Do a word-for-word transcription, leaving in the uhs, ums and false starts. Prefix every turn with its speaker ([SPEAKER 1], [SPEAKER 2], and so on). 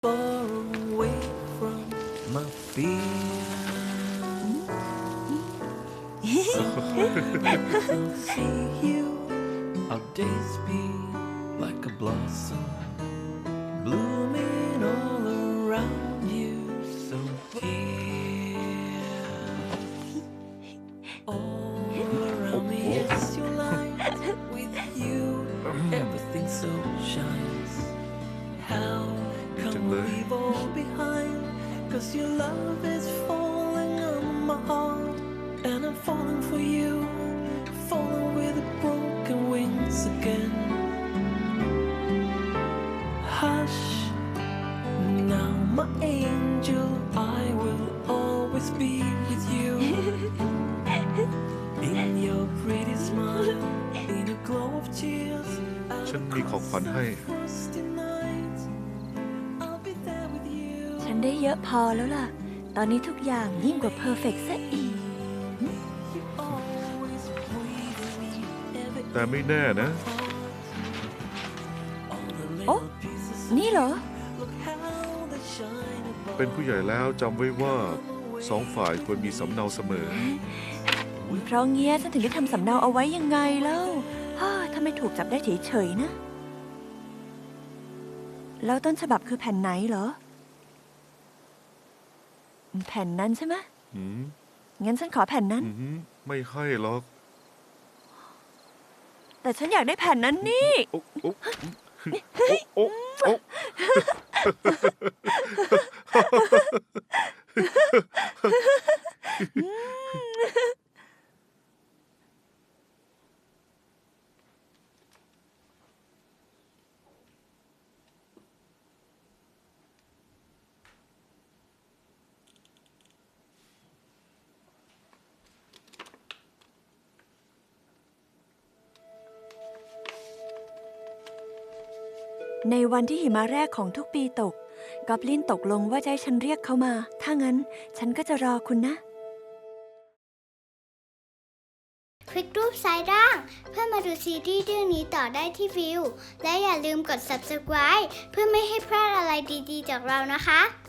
[SPEAKER 1] far away from my fear. So when I don't see you, our days be like a blossom blooming all around you. So dear, all around me is your light. With you, everything so shines. How come we leave all behind? Cause your love is falling on my heart, and I'm falling for you, falling with broken wings again. Hush, now my angel, I will always be with you. In your pretty smile, in a glow of tears,
[SPEAKER 2] ฉันมีของขวัญให้
[SPEAKER 3] ฉันได้เยอะพอแล้วล่ะ ตอนนี้ทุกอย่างยิ่งกว่าเพอร์เฟกต์ซะอีก
[SPEAKER 2] แต่ไม่แน่นะ
[SPEAKER 3] โอ้นี่เหรอ
[SPEAKER 2] เป็นผู้ใหญ่แล้วจำไว้ว่าสองฝ่ายควรมีสำเนาเสมอ
[SPEAKER 3] เพราะเงี้ยฉันถึงได้ทำสำเนาเอาไว้ยังไงแล้วฮ่าถ้าไม่ถูกจับได้เฉยๆนะ แล้วต้นฉบับคือแผ่นไหนเหรอ แผ่นนั้นใช่ไหม
[SPEAKER 2] หืม
[SPEAKER 3] งั้นฉันขอแผ่นนั้น
[SPEAKER 2] หืมไม่ให้หรอก
[SPEAKER 3] แต่ฉันอยากได้แผ่นนั้นนี่
[SPEAKER 2] โอ๊ะโอ๊ะโอ๊ะโอ๊ะ
[SPEAKER 3] ในวันที่หิมะแรกของทุกปีตก กอบลินตกลงว่าจะให้ฉันเรียกเขามา ถ้างั้นฉันก็จะรอคุณนะ
[SPEAKER 4] คลิกรูปซ้ายล่างเพื่อมาดูซีรีส์เรื่องนี้ต่อได้ที่วิว และอย่าลืมกด ซับสไครบ์ เพื่อไม่ให้พลาดอะไรดีๆจากเรานะคะ